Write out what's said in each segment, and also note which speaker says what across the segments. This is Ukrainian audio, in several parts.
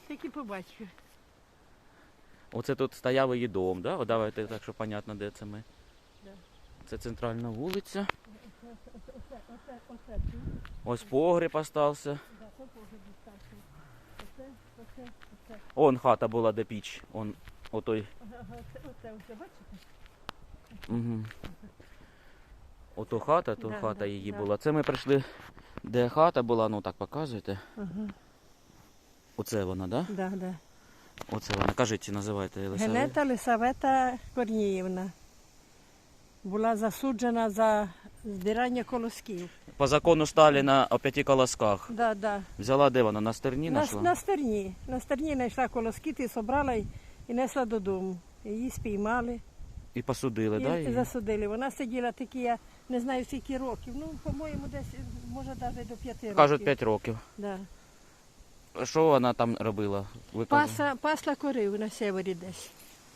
Speaker 1: Тільки побачив.
Speaker 2: Оце тут стояв її дом, да? О, давайте так, щоб понятно, де це ми.
Speaker 1: Да.
Speaker 2: Це центральна вулиця.
Speaker 1: Оце.
Speaker 2: Ось погріб остався.
Speaker 1: Да, це погреб остався. Оце.
Speaker 2: Он хата була, де піч. Он, отой.
Speaker 1: Оце, бачите?
Speaker 2: Угу. Ото хата, то
Speaker 1: Да,
Speaker 2: хата
Speaker 1: да,
Speaker 2: її
Speaker 1: да.
Speaker 2: була. Це ми прийшли, де хата була, ну так показуєте.
Speaker 1: Ага.
Speaker 2: Оце вона, да?
Speaker 1: Да, да.
Speaker 2: Оце вона. Кажіть, називайте Єлисавета.
Speaker 1: Генета Лисавета Корніївна була засуджена за збирання колосків.
Speaker 2: По закону Сталіна о 5 колосках.
Speaker 1: Да, да.
Speaker 2: Взяла де вона? На стерні знайшла?
Speaker 1: На стерні. На стерні знайшла колоски, ти собрала і несла додому. Її спіймали
Speaker 2: І посудили, да?
Speaker 1: і
Speaker 2: Її?
Speaker 1: засудили. Вона сиділа такі, я не знаю скільки років. Ну, по-моєму, десь, може, навіть до 5 років.
Speaker 2: Кажуть, 5 років.
Speaker 1: Да.
Speaker 2: Що вона там робила? Ви кажете?
Speaker 1: Пасла корів на севері десь.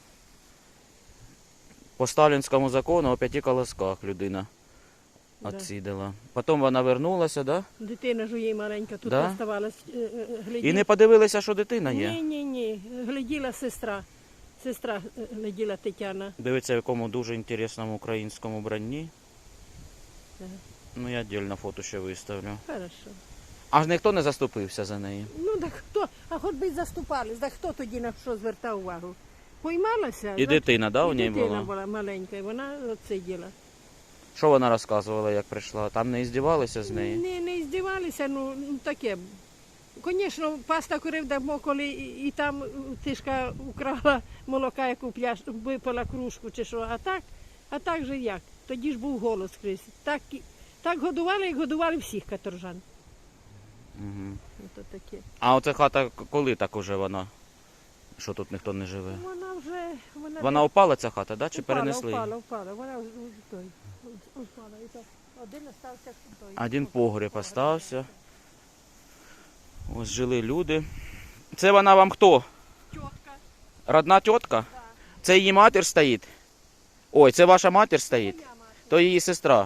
Speaker 2: По сталінському закону о 5 колосках людина
Speaker 1: Да.
Speaker 2: відсиділа. Потім вона вернулася, да?
Speaker 1: Дитина ж у її маленька тут
Speaker 2: Да?
Speaker 1: оставалась.
Speaker 2: І не подивилися, що дитина є.
Speaker 1: Ні. Гляділа сестра. Сестра гляділа Тетяна.
Speaker 2: Дивиться, в якому дуже інтересному українському бранні.
Speaker 1: Да.
Speaker 2: Ну, я віддільно фото ще виставлю.
Speaker 1: Хорошо.
Speaker 2: Аж ніхто не заступився за неї.
Speaker 1: Ну, так хто? А хоч би й заступались, так хто тоді на що звертав увагу? Поймалася?
Speaker 2: І дитина, да, у
Speaker 1: і
Speaker 2: ній
Speaker 1: дитина
Speaker 2: була?
Speaker 1: була маленька, і вона от сиділа.
Speaker 2: Що вона розказувала, як прийшла? Там не здівалися з неї?
Speaker 1: Не здівалися, ну таке. Звісно, паста корив давно, коли і там тишка украла молока, яку випила кружку чи що, а так же як? Тоді ж був голод скрізь. Так годували, як годували всіх каторжан.
Speaker 2: Угу.
Speaker 1: Ото таке.
Speaker 2: А оця хата, коли так уже вона? Що тут ніхто не живе?
Speaker 1: Вона вже...
Speaker 2: Вона упала, ця хата, да? Чи перенесли?
Speaker 1: Упала. Вона той. Упала. І так один остався той.
Speaker 2: Один погріб остався. Ось жили люди. Це вона вам хто?
Speaker 1: Тітка.
Speaker 2: Родна тітка?
Speaker 1: Да.
Speaker 2: Це її матір стоїть? Ой, це ваша матір стоїть?
Speaker 1: Моя мати.
Speaker 2: То її сестра?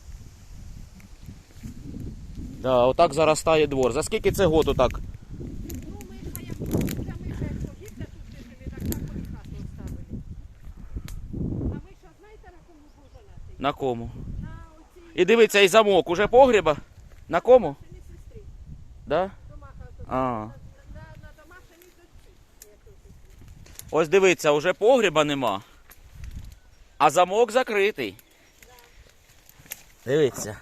Speaker 2: Да, отак заростає двор. За скільки це год отак?
Speaker 1: Ну, ми ще як погибли, тут жили, так вони хату оставили. А ви що, знаєте, на кому був женатий?
Speaker 2: На кому?
Speaker 1: На оцій
Speaker 2: І дивіться, і замок уже погреба. На кому?
Speaker 1: сині сестрі.
Speaker 2: Да?
Speaker 1: Домаха,
Speaker 2: А.
Speaker 1: на домашній дочці.
Speaker 2: Ось дивіться, уже погреба нема. А замок закритий. Дивіться.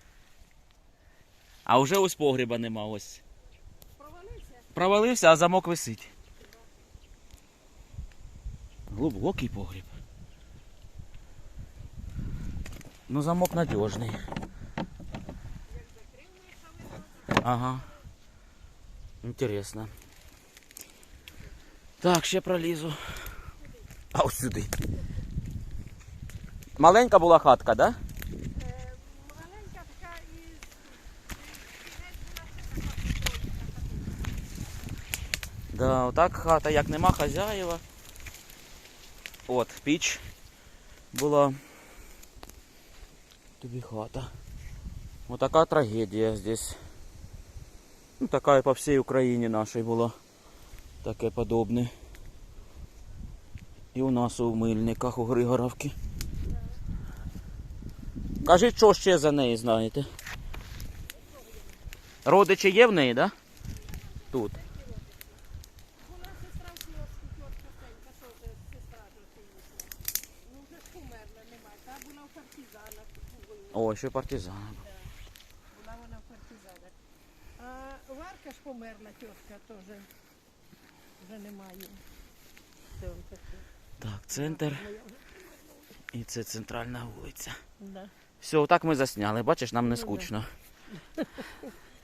Speaker 2: А вже ось погреба нема, ось.
Speaker 1: Провалився?
Speaker 2: Провалився, а замок висить. Глибокий погріб. Ну, замок надіжний. Ага. Інтересно. Так, ще пролізу. А ось сюди. Маленька була хатка, да?
Speaker 1: Маленька така і...
Speaker 2: Да, отак хата, як нема хазяєва. От, піч була. Тобі хата. Отака трагедія здесь. Ну, така і по всій Україні нашій була. Таке подобне. І у нас у Мильниках, у Григоровці. Кажіть, що ще за неї знаєте? Родичі є в неї, так? Да? Тут.
Speaker 1: Була сестра в Кіровську, тітка Сенька, теж сестра Жосинівна. Ну, вже ж померла, немає. Та була в партизанах.
Speaker 2: О, ще партизан.
Speaker 1: Була вона в партизанах. А Варка ж померла, тітка теж. Вже немає. Це он таке.
Speaker 2: Так, центр. І це центральна вулиця.
Speaker 1: Да.
Speaker 2: Все, отак ми засняли. Бачиш, нам не
Speaker 1: Ну, да.
Speaker 2: скучно.